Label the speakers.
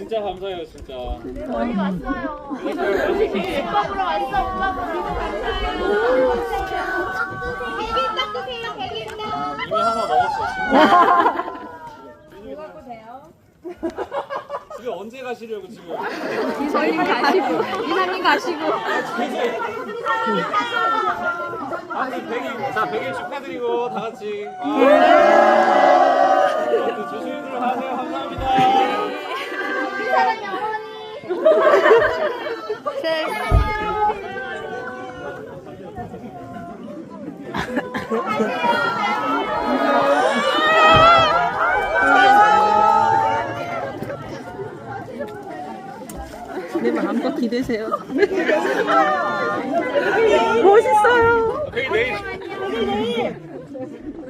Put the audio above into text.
Speaker 1: 진짜 감사해요 진짜.
Speaker 2: 멀리 왔어요. 오빠 보러 왔어. 오빠 보러. 백일떡 드세요. 백일떡.
Speaker 1: 이미 하나 먹었어 진짜.
Speaker 2: 뭐 갖고 돼요?
Speaker 1: 집에 언제 가시려고 지금?
Speaker 3: 이사님 가시고 이사님 가시고
Speaker 1: 아무튼 100일 자 100일 축하드리고 다 같이. 조심히 들어가세요. 감사합니다.
Speaker 2: 우리 사랑의 어머니.
Speaker 3: 내 마음껏 기대세요. 멋있어요.
Speaker 1: 내일.